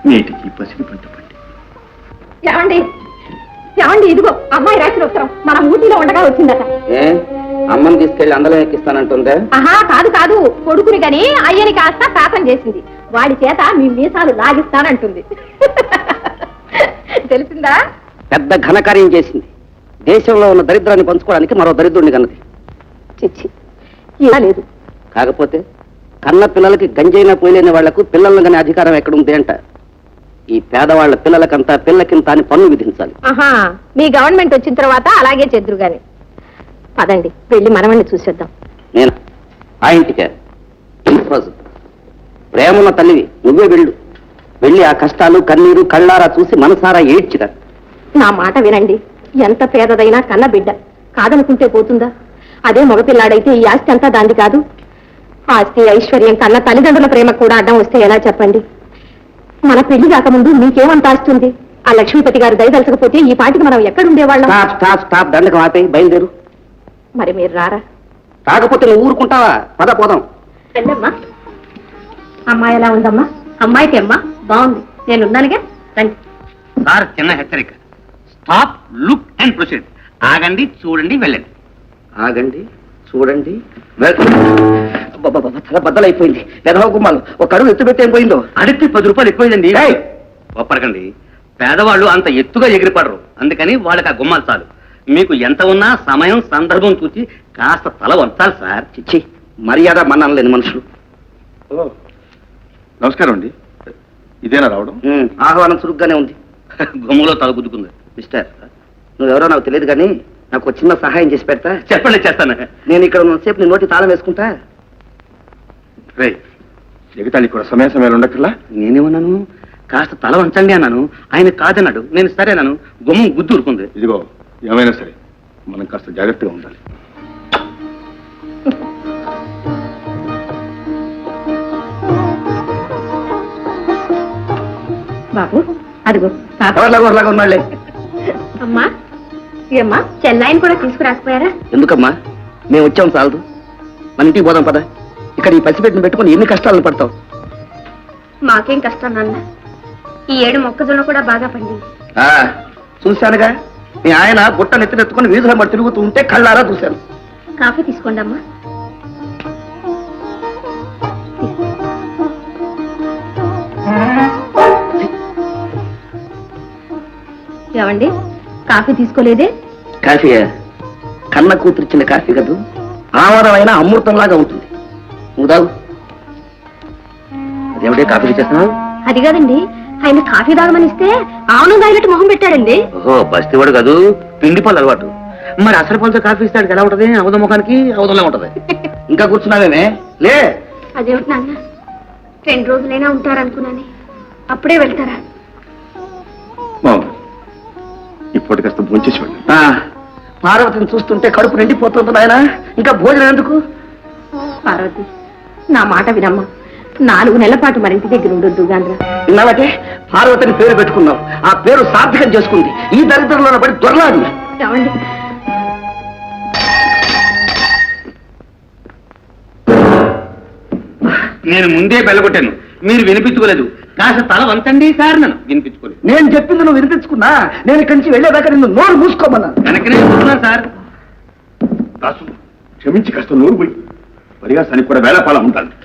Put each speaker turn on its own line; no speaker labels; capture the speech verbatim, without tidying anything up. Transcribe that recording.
నేటికి పసిడి పంట పండి.
ఏమండి ఏమండి ఇదిగో అమ్మాయి రాసిన ఉత్తరం మన ఊటీలో ఉండగా వచ్చిందట.
ఏ అమ్మని తీసుకెళ్లి అందరం ఎక్కిస్తానంటుందే?
ఆహా కాదు కాదు, కొడుకుని గని అయ్యని కాస్త శాపం చేసింది. వాడి చేత మీ మీసాలు లాగిస్తానంటుంది. తెలిసిందా?
పెద్ద ఘనకార్యం చేసింది. దేశంలో ఉన్న దరిద్రాన్ని పంచుకోవడానికి మరో దరిద్రుడిని కన్నది.
చిచ్చి ఇలా లేదు.
కాకపోతే కన్న పిల్లలకి గంజైనా పోయలేని వాళ్లకు పిల్లలను కానీ అధికారం ఎక్కడుంది అంట. ఈ పేదవాళ్ల పిల్లలకంతా పిల్లకింత అని పన్ను విధించాలి.
ఆహా మీ గవర్నమెంట్ వచ్చిన తర్వాత అలాగే చెద్దురు గాని. పదండి వెళ్ళి మనవణ్ణి చూసేద్దాం.
నేను ఆ ఇంటికే ప్రేమన్న తల్లివి, నువ్వే వెళ్ళు. వెళ్ళి ఆ కష్టాలు కన్నీరు కళ్ళారా చూసి మనసారా ఏడ్చిరా.
నా మాట వినండి. ఎంత పేదదైనా కన్న బిడ్డ కాదనుకుంటే పోతుందా? అదే మగపిల్లాడైతే ఈ ఆస్తి అంతా దాంది కాదు. ఆస్తి ఐశ్వర్యం కన్న తల్లిదండ్రుల ప్రేమ కూడా అడ్డం వస్తే ఎలా చెప్పండి? మన పెళ్లి కాకముందు మీకేమంత ఆస్తుంది? ఆ లక్ష్మీపతి గారు దయదలచకపోతే ఈ పాటికి మనం ఎక్కడుండేవాళ్ళం?
స్టాప్ స్టాప్ స్టాప్ దండకం ఆపే, బయలుదేరు.
మరి మీరు రారా?
కాకపోతే నువ్వు ఊరుకుంటావా? పద పోదాం.
వెళ్ళమ్మా. అమ్మాయి ఎలా ఉందమ్మా? అమ్మాయికి అమ్మా బాగుంది, నేను ఉన్నానుగా. రండి.
సార్ చిన్న హెచ్చరిక. Stop, look and proceed. ఆగండి, చూడండి, వెళ్ళండి.
ఆగండి, చూడండి, తల బద్దలైపోయింది. పెదవ గుమ్మాలు ఒక అడుగు ఎత్తు పెట్టి ఏం పోయిందో?
అడిగితే పది రూపాయలు ఎక్కువైందండి. ఒప్పరకండి, పేదవాళ్ళు అంత ఎత్తుగా ఎగిరిపడరు. అందుకని వాళ్ళకి ఆ గుమ్మాలు చాలు. మీకు ఎంత ఉన్నా సమయం సందర్భం చూసి కాస్త తల వంచాలి సార్.
చిచ్చి, మర్యాద మన్నాను లేని మనుషులు.
నమస్కారం అండి. ఇదేనా రావడం?
ఆహ్వానం చురుగ్గానే ఉంది.
గుమ్మలో తల గుద్దుకుంది.
మిస్టర్, నువ్వెవరో నాకు తెలియదు కానీ నాకు ఒక చిన్న సహాయం చేసి పెడతా?
చెప్పండి, చేస్తాను.
నేను ఇక్కడ ఉన్నసేపు నీ నోటి తాళం వేసుకుంటా.
రే ఎగతాళి కూడా సమయ సమయాలు ఉండక్కర్లా.
నేనేమన్నాను? కాస్త తల వంచండి అన్నాను. ఆయన కాదన్నాడు. నేను సరేనాను. గుమ్మం గుద్దు ఊరుకుంది.
ఇదిగో ఏమైనా సరే మనం కాస్త జాగ్రత్తగా ఉండాలి.
బాబు అదిగో
ఎవరిలాగా ఉన్నాళ్లే.
అమ్మా ఏమ్మా, చెల్లాయిని కూడా తీసుకురాకపోయారా?
ఎందుకమ్మా, మేము వచ్చాం చాలదు. మన ఇంటికి పోదాం పద. ఇక్కడ ఈ పసిపెట్టిన పెట్టుకుని ఎన్ని కష్టాలను పడతావు?
మాకేం కష్టం నాన్న. ఈ ఏడు మొక్కజొన్న కూడా బాగా పండింది.
చూశానుగా, మీ ఆయన బుట్ట నెత్తినెత్తుకుని వీధుల మరి తిరుగుతూ ఉంటే కళ్ళారా చూశాను.
కాఫీ తీసుకోండి అమ్మా. ఏమండి, కాఫీ తీసుకోలేదే?
కాఫీయా? కన్న కూతురిచ్చిన కాఫీ కదూ, ఆమరమైన అమృతంలాగా ఉంటుంది. నువ్వు తాగు. అదేమిటే కాఫీ చేస్తున్నావు?
అది కాదండి, ఆయన కాఫీ తాగమని ఇస్తే ఆవును తాగినట్టు మొహం పెట్టాడండి.
ఓహో, బస్తీవాడు కాదు, పిండి పళ్ళు అలవాటు. మరి అసలు పళ్ళతో కాఫీ ఇస్తాడు ఎలా ఉంటది? అవధ ముఖానికి అవధంలా ఉంటది.
ఇంకా కూర్చున్నావేమే? లే.
అదేమిటి నాన్న, రెండు రోజులైనా ఉంటారనుకున్నాను, అప్పుడే వెళ్తారా?
ఇప్పటి కాస్త భోంచేసి వెళ్ళి.
పార్వతిని చూస్తుంటే కడుపు నిండిపోతుంది నాయన, ఇంకా భోజనం ఎందుకు?
పార్వతి, నా మాట వినమ్మా. నాలుగు నెలల పాటు మరింటి దగ్గర ఉండొద్దు గాంధ్ర.
ఇన్నాళ్ళకే పార్వతిని పేరు పెట్టుకున్నావు. ఆ పేరు సార్థకం చేసుకుంది. ఈ దరిద్రంలో పడి దొరలాడు.
ఏమండి,
నేను ముందే బెల్లగొట్టాను, మీరు వినిపించుకోలేదు. కాస్త తల వంచండి సార్. నన్ను వినిపించుకోలేదు.
నేను చెప్పింది నువ్వు వినిపించుకున్నా. నేను ఇక్కడి నుంచి వెళ్ళేదాకా నిన్ను నోరు మూసుకోమన్నా.
వెనకనే చూస్తున్నాను సార్.
దాసు క్షమించి కాస్త నోరు పోయి పరిహాసానికి కూడా వేళపాలా ఉంటాను.